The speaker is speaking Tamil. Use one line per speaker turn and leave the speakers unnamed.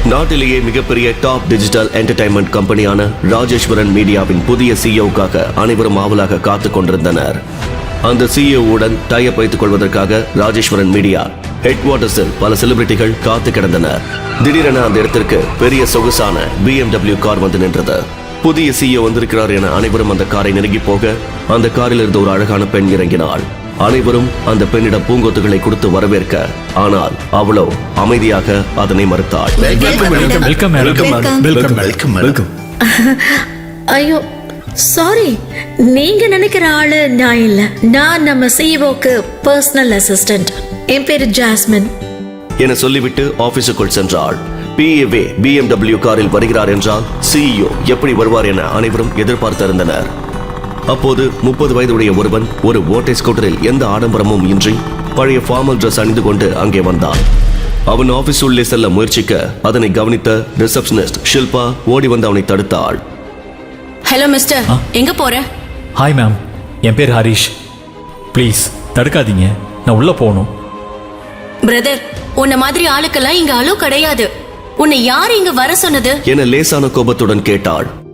நாட்டிலேயே மிகப்பெரிய டாப் டிஜிட்டல் என்டர்டைன்மெண்ட் கம்பெனியான ராஜேஸ்வரன் மீடியாவின் புதிய சிஇஓக்காக அனைவரும் ஆவலாக காத்துக் கொண்டிருந்தனர். அந்த சிஇஓவுடன் டைப் வைத்துக் கொள்வதற்காக ராஜேஸ்வரன் மீடியா ஹெட் குவார்ட்டர்ஸில் பல செலிபிரிட்டிகள் காத்து கிடந்தனர். திடீரென அந்த இடத்திற்கு பெரிய சொகுசான BMW கார் வந்து நின்றது. புதிய சிஇஓ வந்திருக்கிறார் என அனைவரும் அந்த காரை நெருங்கி போக அந்த காரில் இருந்த ஒரு அழகான பெண் இறங்கினாள். அனைவரும் அந்த பெண்ணிடம் பூங்கொத்துகளை கொடுத்து வரவேற்க, ஆனால் அவளோ அமைதியாக அதனை மறுத்தாள்.
ஐயோ சாரி, நீங்க நினைக்கிற ஆளு நான் இல்ல. நான் நம்ம சிஇஓக்கு பர்சனல் அசிஸ்டன்ட். என் பேரு ஜாஸ்மின்
என சொல்லிவிட்டு ஆபீஸுக்குள் சென்றாள். PA BMW காரில் வருகிறார் என்றால் சிஇஓ எப்படி வருவார் என அனைவரும் எதிர்பார்த்திருந்தனர். அப்போது 30 வயதுடைய ஒருவன் ஒரு ஓட்டை ஸ்கூட்டரில் எந்த ஆடம்பரமும் இன்றி பழைய ஃபார்மல் டிரெஸ் அணிந்து கொண்டு அங்கே வந்தான். அவன் ஆபீஸ் உள்ளே செல்ல முயற்சிக்க அதனை கவனித்த ரிசப்ஷனிஸ்ட் ஷில்பா ஓடி வந்து அவனை தடுத்தாள்.
ஹலோ மிஸ்டர், எங்க போற?
ஹாய் மேம், என் பேர் ஹரிஷ். ப்ளீஸ் தடுக்காதீங்க, நான் உள்ள போகணும்.
பிரதர், உன்ன மாதிரி ஆளுக்கெல்லாம் இங்க அலோ கிடையாது. உன்னை யார் இங்க வர சொன்னது
என லேசான கோபத்துடன் கேட்டாள்.